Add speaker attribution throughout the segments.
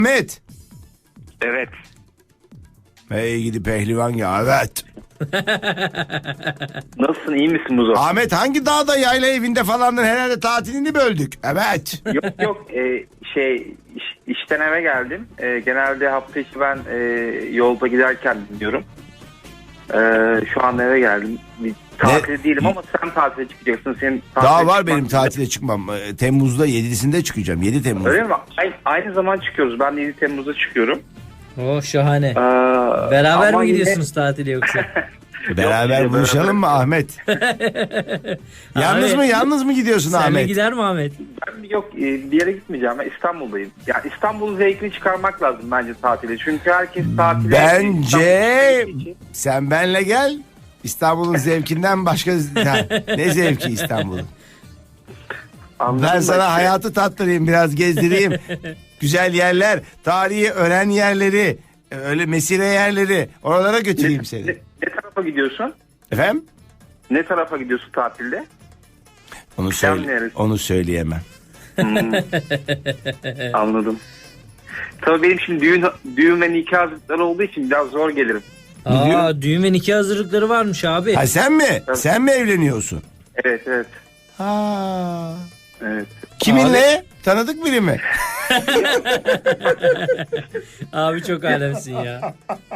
Speaker 1: Ahmet.
Speaker 2: Evet.
Speaker 1: Hey gidi pehlivan ya, evet.
Speaker 2: Nasılsın, iyi misin Muzo?
Speaker 1: Ahmet hangi dağda, yayla evinde falandın, herhalde tatilini böldük. Evet.
Speaker 2: Yok işten eve geldim. Genelde hafta içi ben yolda giderken dinliyorum. Şu an eve geldim. Tatil değilim ama sen tatile çıkacaksın. Senin
Speaker 1: Daha var benim tatile çıkmam. Temmuz'da 7'sinde çıkacağım. 7 Temmuz.
Speaker 2: Öyle mi? Aynı zaman çıkıyoruz. Ben de 7 Temmuz'da çıkıyorum.
Speaker 3: Oh şahane. Beraber mi gidiyorsunuz tatile yoksa?
Speaker 1: Beraber buluşalım mı Ahmet? Yalnız mı gidiyorsun
Speaker 3: Seninle
Speaker 1: Ahmet?
Speaker 3: gider mi Ahmet?
Speaker 2: Ben bir yere gitmeyeceğim. Ben İstanbul'dayım. Yani İstanbul'un zevkini çıkarmak lazım bence tatile. Çünkü herkes tatile...
Speaker 1: Bence sen benle gel. İstanbul'un zevkinden başka ne zevki İstanbul'un? Ben sana hayatı tattırayım, biraz gezdireyim. Güzel yerler, tarihi öğren yerleri, öyle mesire yerleri, oralara götüreyim seni.
Speaker 2: Ne tarafa gidiyorsun?
Speaker 1: Efendim?
Speaker 2: Ne tarafa gidiyorsun tatilde?
Speaker 1: Onu söyleyemem.
Speaker 2: Anladım. Tabii benim şimdi düğün ve nikah hazırlıkları olduğu için biraz zor gelirim.
Speaker 3: Düğün ve nikah hazırlıkları varmış abi.
Speaker 1: Ha sen mi?
Speaker 2: Tabii.
Speaker 1: Sen mi evleniyorsun?
Speaker 2: Evet.
Speaker 1: Ha.
Speaker 2: Evet.
Speaker 1: Kiminle? Abi. Tanıdık biri mi?
Speaker 3: Abi çok alemsin ya.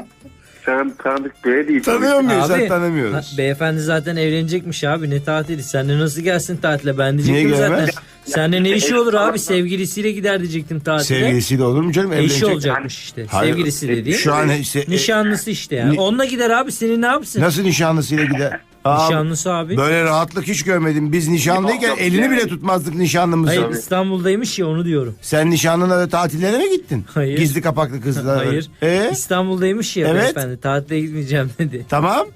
Speaker 2: Sen tanıdık biri değil.
Speaker 1: Tanıyor muyuz?
Speaker 3: Abi,
Speaker 1: Sen tanımıyoruz.
Speaker 3: Beyefendi zaten evlenecekmiş abi, ne tatili? Sen de nasıl gelsin tatile? Ben diyecektim
Speaker 1: niye
Speaker 3: zaten.
Speaker 1: gelmez?
Speaker 3: Seninle ne işi olur abi? Sevgilisiyle gider diyecektim tatile.
Speaker 1: Sevgilisiyle olur mu canım? Evlenecek.
Speaker 3: Eşi olacakmış işte.
Speaker 1: Hayır.
Speaker 3: Sevgilisi dediğin.
Speaker 1: Şu an işte,
Speaker 3: nişanlısı işte yani. Onunla gider abi, seni ne yapsın?
Speaker 1: Nasıl nişanlısıyla gider?
Speaker 3: Nişanlısı abi.
Speaker 1: Böyle rahatlık hiç görmedim. Biz nişanlıyken elini bile tutmazdık nişanlımızı.
Speaker 3: Hayır, İstanbul'daymış ya, onu diyorum.
Speaker 1: Sen nişanlına da tatillere mi gittin?
Speaker 3: Hayır.
Speaker 1: Gizli kapaklı kızlar.
Speaker 3: Hayır. İstanbul'daymış ya,
Speaker 1: Evet.
Speaker 3: beyefendi. Tatile gitmeyeceğim dedi.
Speaker 1: Tamam.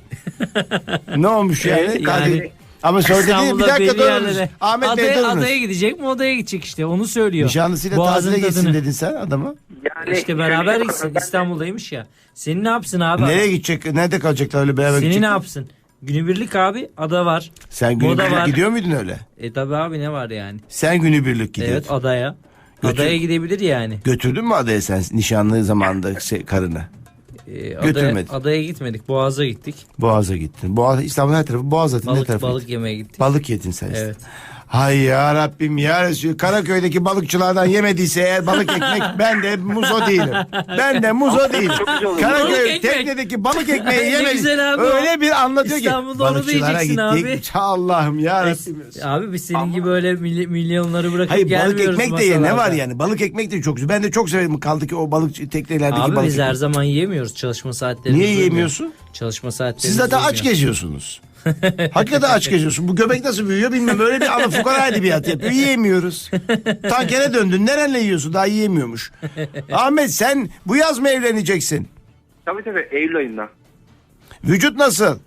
Speaker 1: Ne olmuş yani?
Speaker 3: Yani
Speaker 1: ama sonra dedi bir
Speaker 3: İstanbul'da
Speaker 1: dakika
Speaker 3: belli
Speaker 1: durunuz.
Speaker 3: yerlere.
Speaker 1: Ahmet Bey durunuz.
Speaker 3: Adaya gidecek mi, odaya gidecek işte, onu söylüyor.
Speaker 1: Nişanlısıyla
Speaker 3: Boğazın
Speaker 1: tatile gitsin
Speaker 3: tadını.
Speaker 1: dedin sen adama.
Speaker 2: Yani
Speaker 3: İşte beraber gitsin, İstanbul'daymış ya. Seni ne yapsın abi?
Speaker 1: Nereye gidecek? Nerede kalacaklar öyle beraber
Speaker 3: Seni
Speaker 1: gidecek?
Speaker 3: ne yapsın? Günübirlik abi, ada var.
Speaker 1: Sen
Speaker 3: Moda
Speaker 1: günübirlik
Speaker 3: var.
Speaker 1: gidiyor muydun öyle?
Speaker 3: Tabi abi, ne var yani?
Speaker 1: Sen günübirlik gidiyordun.
Speaker 3: Evet, adaya.
Speaker 1: Götür.
Speaker 3: Adaya gidebilir yani.
Speaker 1: Götürdün mü adaya sen nişanlı zamanında karını? Götürmedim.
Speaker 3: Adaya gitmedik, Boğaz'a gittik.
Speaker 1: Boğaz'a gittin. Boğaz, İstanbul'un her tarafı Boğaz zaten. Ne tarafı?
Speaker 3: Balık yemeye gittik.
Speaker 1: Balık yedin sen işte.
Speaker 3: Evet.
Speaker 1: Hay ya Rabbim ya Resulü, Karaköy'deki balıkçılardan yemediyse eğer balık ekmek, ben de muzo değilim. Ben de muzo değilim.
Speaker 3: Balık
Speaker 1: Karaköy
Speaker 3: ekmek.
Speaker 1: teknedeki balık ekmeği
Speaker 3: Ne
Speaker 1: yemedim.
Speaker 3: güzel abi
Speaker 1: Öyle
Speaker 3: o.
Speaker 1: bir anlatıyor ki.
Speaker 3: İstanbul'da onu
Speaker 1: Balıkçılara
Speaker 3: diyeceksin
Speaker 1: gittik. Allah'ım ya Rabbim.
Speaker 3: Abi biz senin gibi öyle milyonları bırakıp
Speaker 1: Hayır, balık
Speaker 3: gelmiyoruz
Speaker 1: ekmek de ye, ne
Speaker 3: masalarda.
Speaker 1: var yani? Balık ekmek de çok güzel. Ben de çok severim. Kaldı ki o balık teknelerdeki
Speaker 3: Abi
Speaker 1: balık
Speaker 3: biz her
Speaker 1: ekmek.
Speaker 3: zaman yiyemiyoruz, çalışma saatlerimiz.
Speaker 1: Niye
Speaker 3: uymuyor.
Speaker 1: yiyemiyorsun?
Speaker 3: Çalışma saatlerimiz
Speaker 1: Siz zaten aç
Speaker 3: uymuyor.
Speaker 1: geziyorsunuz. Hakikaten aç geziyorsun. Bu göbek nasıl büyüyor bilmem. Öyle bir ana fukara edebiyat yapıyor. Yiyemiyoruz. Tankere döndün. Nerenle yiyorsun? Daha yiyemiyormuş. Ahmet, sen bu yaz mı evleneceksin?
Speaker 2: Tabii Eylül ayında.
Speaker 1: Vücut nasıl?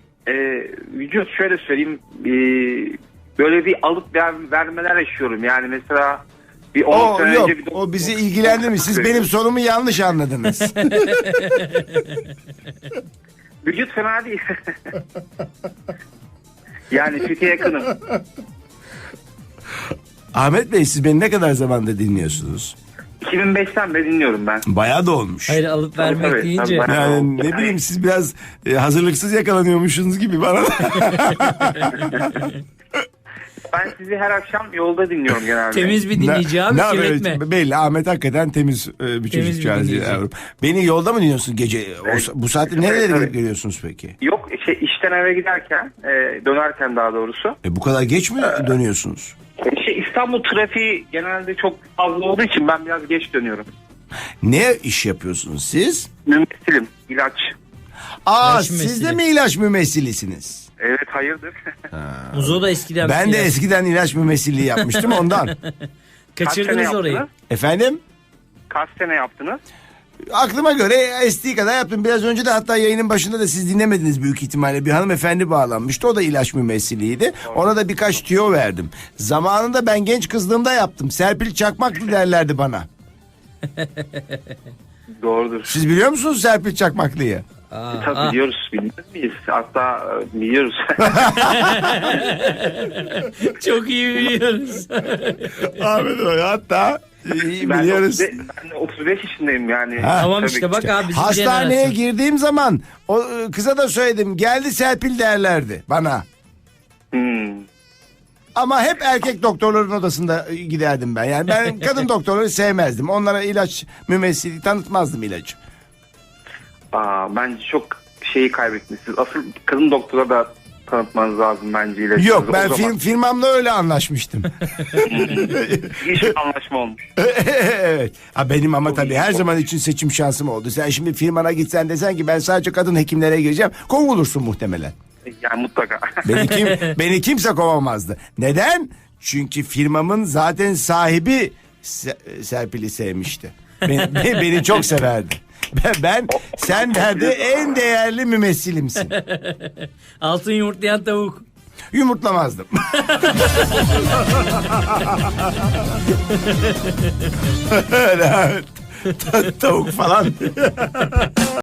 Speaker 2: Vücut şöyle söyleyeyim. Böyle bir alıp vermeler yaşıyorum. Yani mesela bir 10 sene
Speaker 1: Yok.
Speaker 2: önce
Speaker 1: O bizi ilgilendirmiyor. Siz benim sorumu yanlış anladınız.
Speaker 2: Vücut fena değil. Yani süte yakınım.
Speaker 1: Ahmet Bey, siz beni ne kadar zamanda dinliyorsunuz?
Speaker 2: 2005'ten beri dinliyorum ben.
Speaker 1: Bayağı da olmuş.
Speaker 3: Hayır, alıp vermek
Speaker 2: Tabii,
Speaker 3: deyince.
Speaker 2: tabii.
Speaker 1: Yani ne bileyim, siz biraz hazırlıksız yakalanıyormuşsunuz gibi bana.
Speaker 2: Ben sizi her akşam yolda dinliyorum genelde.
Speaker 3: Temiz bir dinleyici abi, kirletme.
Speaker 1: evet, belli, Ahmet hakikaten temiz bir
Speaker 3: Temiz
Speaker 1: çocukcağız.
Speaker 3: bir dinleyici.
Speaker 1: Yavrum. Beni yolda mı dinliyorsun gece? Bu saatte nerelere
Speaker 2: Evet.
Speaker 1: gidip geliyorsunuz peki?
Speaker 2: Yok işten eve giderken dönerken daha doğrusu.
Speaker 1: Bu kadar geç mi dönüyorsunuz?
Speaker 2: İstanbul trafiği genelde çok fazla olduğu için ben biraz geç dönüyorum.
Speaker 1: Ne iş yapıyorsunuz siz?
Speaker 2: Mümessilim, ilaç.
Speaker 3: İlaç
Speaker 1: Siz
Speaker 3: mümessili.
Speaker 1: de mi ilaç mümessilisiniz?
Speaker 2: Evet, hayırdır?
Speaker 3: Muzo da eskiden.
Speaker 1: Ben de
Speaker 3: ilaç-
Speaker 1: eskiden ilaç mümessilliği yapmıştım ondan.
Speaker 2: Kaç
Speaker 3: Kaçırdınız
Speaker 2: sene
Speaker 3: orayı.
Speaker 2: yaptınız?
Speaker 1: Efendim?
Speaker 2: Kaç sene yaptınız?
Speaker 1: Aklıma göre estiği kadar yaptım. Biraz önce de hatta yayının başında da siz dinlemediniz büyük ihtimalle. Bir hanımefendi bağlanmıştı. O da ilaç mümessiliydi. Ona da birkaç tüyo verdim. Zamanında ben genç kızlığımda yaptım. Serpil Çakmaklı derlerdi bana.
Speaker 2: Doğrudur.
Speaker 1: Siz biliyor musunuz Serpil Çakmaklı'yı?
Speaker 2: Tabii biliyoruz. Bilmez miyiz? Hatta biliyoruz.
Speaker 3: Çok iyi biliyoruz.
Speaker 1: Ahmet Hoca hatta İyi
Speaker 2: Ben
Speaker 1: biliyoruz.
Speaker 2: ben de 35 yaşındayım yani.
Speaker 1: Ha.
Speaker 3: Tamam
Speaker 2: Tabii
Speaker 3: işte
Speaker 2: ki.
Speaker 3: bak abi bizim
Speaker 1: Hastaneye
Speaker 3: jenerasyon.
Speaker 1: girdiğim zaman o kıza da söyledim. Geldi Serpil derlerdi bana.
Speaker 2: Hmm.
Speaker 1: Ama hep erkek doktorların odasında giderdim ben. Yani ben kadın doktorları sevmezdim. Onlara ilaç mümessili tanıtmazdım ilacı.
Speaker 2: Bence çok şeyi kaybetmişsiniz. Asıl kadın doktora da tanıtmanız lazım bence ilacınızı.
Speaker 1: Yok, ben
Speaker 2: O zaman
Speaker 1: firmamla öyle anlaşmıştım.
Speaker 2: iyi bir anlaşma olmuş.
Speaker 1: Evet. Ha, benim ama tabii her zaman için seçim şansım oldu. Sen şimdi firmana gitsen desen ki ben sadece kadın hekimlere gireceğim. Kovulursun muhtemelen.
Speaker 2: Yani mutlaka.
Speaker 1: Beni kimse kovamazdı. Neden? Çünkü firmamın zaten sahibi Serpil'i sevmişti. Beni çok severdi. Sen derdi en değerli mümessilimsin.
Speaker 3: Altın yumurtlayan tavuk.
Speaker 1: Yumurtlamazdım. Öyle, evet. Tavuk falan.